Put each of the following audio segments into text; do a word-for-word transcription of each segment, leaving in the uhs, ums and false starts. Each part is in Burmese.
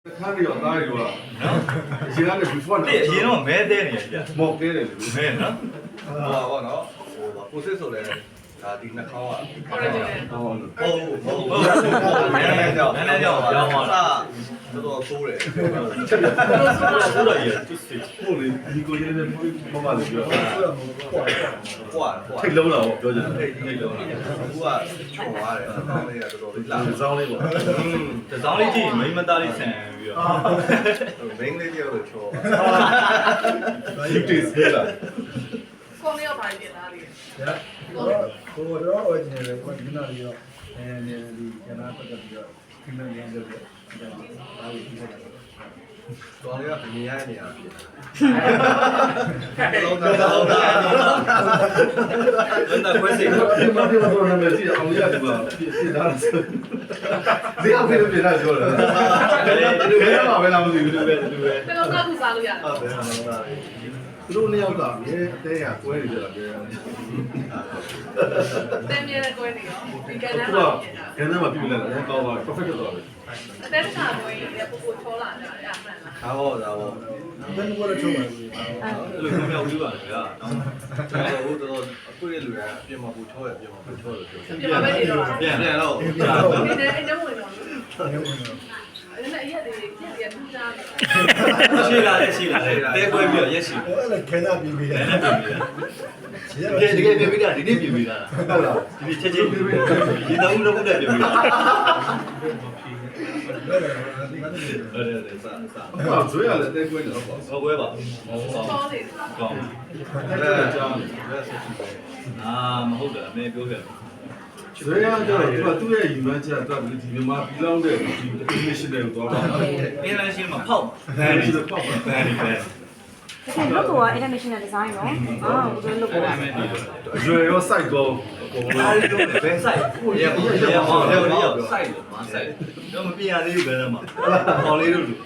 看着要大一点，现在那是放的。 对，因为没得呢， 冇给的， 没呢。 我我喏，我不是说的，啊，顶那烤啊， 哦， 哦哦，原来叫原来叫啥？叫做酥嘞， 说了也就是我的一个月的没嘛的标， 挂挂， 太 low 了，我标准。 太牛了，我啊，穷啊嘞，当那个叫做烂是脏的不？ 嗯， 这张力气没么大的参与啊。 明那叫做穷。 有这事了。 光要把点哪里？ 我我တော့ဝယ်နေတယ်ကိုဒီနာလေးတော့အဲဒီကျန်တာပတ်သက်ပြီးတော့ဒီလိုရင်းလုပ်တယ်ဒါဒါကိုပြီးတော့တော်လေးကမြင်ရနေရပြီလုံးသားလုံးသားလုံးသားခွဲစိတ်ဒီမှာဒီမှာတော့နာမည်ကြည့်အောင်ရဒီမှာပြတာဒီအောင်ပြပြတာပြောတယ်ဒီဘယ်မှာပဲလားမသိဘူးဒီပဲဒီပဲ这个高度啥路呀？ ဟုတ်တယ်ဟုတ်တယ်သူတို့နှစ်ယောက်ကမြေအသေးရကွဲနေကြတာပြော对面的规定哦，你跟တယ်他သူက们。 ခန်းထဲမှာပြုတ်လိုက်တယ်ကောင်းပါ perfect ဖြစ်သွားတယ်但是他规定也不不抽了，呀，慢了。 ဒါပေါ့ဒါပေါ့ဘယ်လိုလဲထုံးပါလဲလူကမြောက်ပြီးပါလေဗျာနော်ကျွန်တော်တို့တော့အခုရဲ့လူကအပြင်မှာပူချောရပြင်မှာပူချောလို့ပြော别把别的了。 ပြန်ပြန်တော့你这哎，这我呢？ ရုံးဝင်တော့人家也得也得不加的。 ရှိလာတယ်ရှိလာတယ်တဲခွဲပြီးတော့ရက်ရှိအဲ့ဒါခဲနာပြီးပြီးတယ်တယ်နဲ့ပြင်ပြီးတာတကယ်တကယ်ပြင်ပြီးတာဒီနေ့ပြင်ပြီးတာဟုတ်လားဒီချက်ချင်းပြင်ပြီးတာဒီတော့ဦးတော့ဦးနဲ့ပြင်ပြီးတာဘယ်လိုလဲဒီကနေဟုတ်တယ်ဟုတ်စားစားအဲ့ဇွဲရလည်းတဲကွဲနေတော့ပေါ့ဟောကွဲပါဟော抽的。 ကောင်းတဲကြောင်းလက်ဆက်ကြည့်တယ်အာမဟုတ်တယ်အမေပြောခဲ့ဇွဲရကျတော့သူကသူ့ရဲ့ယူမှန်းချက်ကဒီမြန်မာပြည်လောင်းတဲ့ဒီ international ကိုသွားတာအင်းလင်းရှင်းမှာဖောက်ဘယ်လိုလဲပေါ့ဘယ်ဒီပဲ Okay, look at international design နော်။အာဘယ်လိုအဲ့လုပ်ဒါလဲမဲ့ဒီလိုဇွဲရော site ကောအကုန်လုံးအားလုံးဘယ်ဆိုင်ကိုရပါရပါရပါရပါဆိုင်လို့မဆိုင်တော့မပြရသေးဘူးဘယ်တော့မှဟောလေးတို့လူဒီ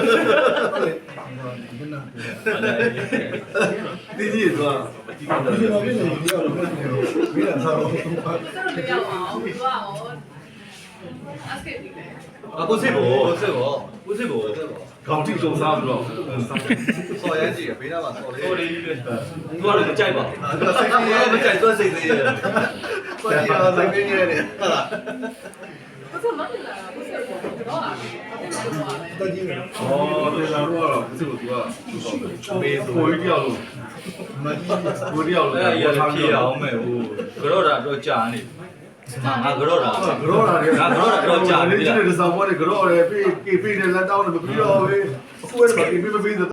နာပြီးဒီကြီးသွားဒီကောင်ဒီလိုမျိုးနေဒီတော့ဘယ်လာစားလို့这个不要哦，不要哦。阿斯克你嘞？ အခုစစ်ဖို့စစ်ဖို့ကိုစစ်ဖို့ခေါင်းထိစုံစားပြီးတော့ဆော်ရမ်းကြည့်ဘေးနားမှာဆော်လေးဟိုလေးလေးသူကလည်းမကြိုက်ပါဘူးဒါစိတ်ကြီးရဲ့မကြိုက်သွားစိတ်သေးတယ်ဆော်ရမ်းစိတ်ကြီးရဲ့ဟုတ်လား不是蛮简单的，不是我不知道啊。 တက်ကြီးတယ်อ๋อတယ်လာတော့တော့သူ့ကိုသူကမေးဆိုကိုကြီးပြောက်လို့မကြီးကိုကြီးပြောက်လို့အဲ့ဒါရဖြေအောင်မဲ့ဟိုကြောတာတော့ကြာနေငါငါကြောတာကြောတာလေဒီနေ့ဒီဆောင်ပေါ်ကကြောတယ်ပြေးပြေးနဲ့လက်တောင်းနဲ့မပြီးတော့ဘူးအခုအဲ့ဒါပြေးမပြီး